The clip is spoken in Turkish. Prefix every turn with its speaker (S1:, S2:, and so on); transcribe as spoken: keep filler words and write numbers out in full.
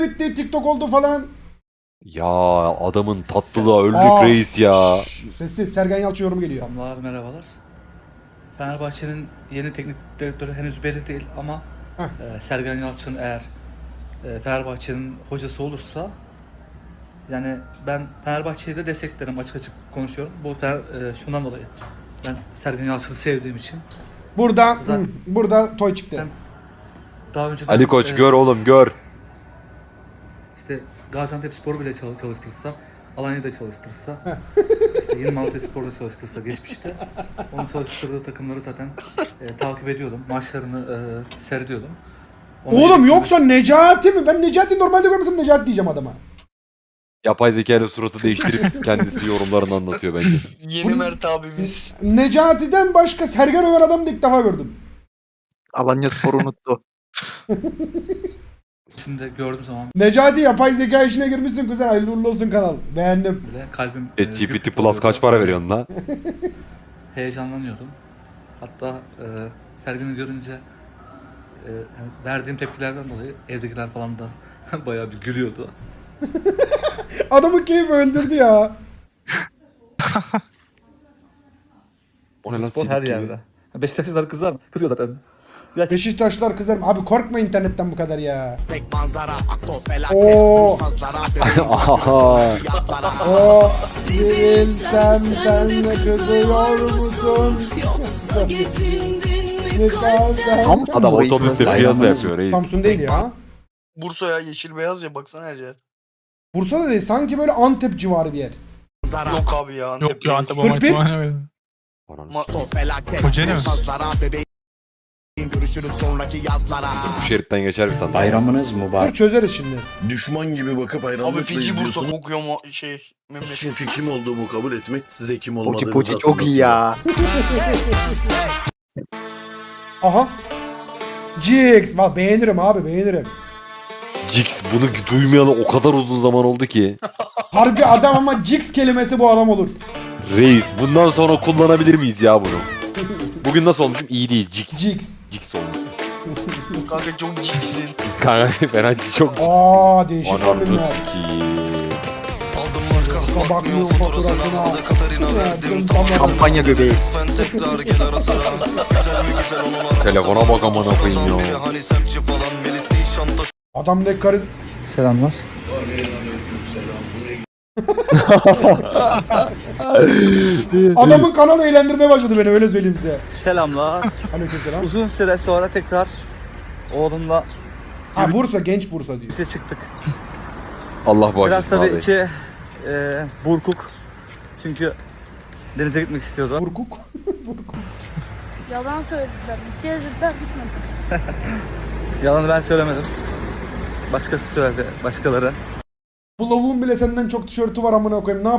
S1: bitti, TikTok oldu falan.
S2: Ya adamın tatlılığa öldük
S1: Aa,
S2: reis ya.
S1: şşş, sessiz Sergen Yalçın yorumu geliyor.
S3: Selamlar, merhabalar. Fenerbahçe'nin yeni teknik direktörü henüz belli değil ama e, Sergen Yalçın eğer e, Fenerbahçe'nin hocası olursa yani ben Fenerbahçe'yi de desteklerim, açık açık konuşuyorum. Bu Fener, e, şundan dolayı ben Sergen Yalçın'ı sevdiğim için.
S1: Burada
S3: Zaten-
S1: hı, burada toy çıktı.
S3: Ben daha önceden
S2: Ali Koç
S3: e,
S2: gör oğlum gör.
S3: işte Gaziantepspor'u bile çalış- çalıştırsa, Alanya'da çalıştırsa, işte yeni Malatyaspor'da çalıştırsa geçmişte onun çalıştırdığı takımları zaten e, takip ediyordum. Maçlarını e, seyrediyordum. Ona
S1: Oğlum
S3: göre-
S1: yoksa Necati mi? Ben Necati normalde görmesem Necati diyeceğim adama.
S2: Yapay zeka ile suratı değiştirip kendisi yorumlarını anlatıyor bence.
S4: Yeni Mert abimiz.
S1: Necati'den başka Sergen Ömer adamı da ilk defa gördüm.
S5: Alanya Spor'u unuttu.
S3: Şimdi gördüğüm zaman
S1: Necati yapay zeka işine girmişsin kuzen. Hayırlı uğurlu olsun kanal. Beğendim.
S3: bile kalbim e,
S2: ChatGPT
S3: güp
S2: Plus
S3: oluyordu.
S2: kaç para veriyorsun la?
S3: Heyecanlanıyordum. Hatta e, Sergen'i görünce e, yani verdiğim tepkilerden dolayı evdekiler falan da bayağı bir gülüyordu.
S1: Adamı keyif öldürdü ya.
S2: O ne lan
S3: Spor
S2: silik
S3: her
S2: gibi.
S3: yerde. Beşiktaşlılar kızar mı? Kızıyor zaten. Ya
S1: Beşiktaşlar kızarım. Abi korkma internetten bu kadar ya.
S6: manzara, akto felaket,
S1: Oo.
S6: sazlara,
S2: Aha.
S1: O bilsem sen de kızıyor musun?
S7: Yoksa gezindin mi
S1: kalben?
S5: Tam
S2: Adam
S5: burayı
S2: otobüste
S5: sırası-
S2: piyasa yapıyor reis.
S1: Samsun değil ya.
S4: Bursa ya yeşil beyaz ya baksana her yer.
S1: Bursa'da değil. Sanki böyle Antep civarı bir yer.
S4: Yok abi ya Antep.
S8: Yok ya Antep
S1: Kırk
S8: olma
S1: bir.
S8: ihtimali var.
S2: Ananı
S4: Ma-
S6: akto felaket,
S8: Kocaeli mi?
S6: sazlara, bebeğim görüşürüz sonraki yazlara.
S2: Bu şeritten geçer bir tane.
S9: Bayramınız
S1: Dur
S9: mübarek.
S1: çözeriz şimdi.
S10: Düşman gibi bakıp hayranlıkla
S4: Abi feci Bursa
S10: izliyorsunuz.
S4: kokuyor mu şey memleket.
S10: Çünkü kim olduğumu kabul etmek size kim
S5: Poki
S10: olmadığınızı
S5: Poki çok iyi ya.
S1: Aha. Jigs. Valla beğenirim abi beğenirim.
S2: Jix bunu duymayalı o kadar uzun zaman oldu ki.
S1: Harbi adam ama Jigs kelimesi bu adam olur.
S2: Reis bundan sonra kullanabilir miyiz ya bunu? Bugün nasıl olmuşum? İyi değil. Jix.
S1: Jigs.
S2: Jix olmuşsun.
S4: Kanka çok ciksin.
S2: Kanka Ferhat çok...
S1: Aa değişik
S2: Ananı
S1: kombinler.
S2: sikiyim.
S6: Aldım marka,
S1: Bakmıyor faturasına. Verdim tamam.
S5: Kampanya göbeği.
S6: lütfen tekrar gel ara sıra. Güzel mi güzel onlar.
S2: Telefona bak amına koyayım ya.
S6: Hani semtçi falan Melis Nişanta.
S1: Adam ne kariz...
S3: Selamlar.
S1: Adamın kanalı eğlendirmeye başladı beni öyle söyleyeyim size.
S3: Selamlar.
S1: Aleykümselam.
S3: Uzun süre sonra tekrar oğlumla
S1: Ha Bursa, genç Bursa diyor.
S3: bize çıktık.
S2: Allah
S3: Biraz
S2: bağışlasın
S3: tabii
S2: abi.
S3: içi e, burkuk. Çünkü denize gitmek istiyordu.
S1: Burkuk. Burkuk.
S7: Yalan söylediler. Gezdiler bitmedi.
S3: Yalanı ben söylemedim. Başkası söyledi, başkaları.
S1: Bu lavuğun bile senden çok tişörtü var amına koyayım. Ne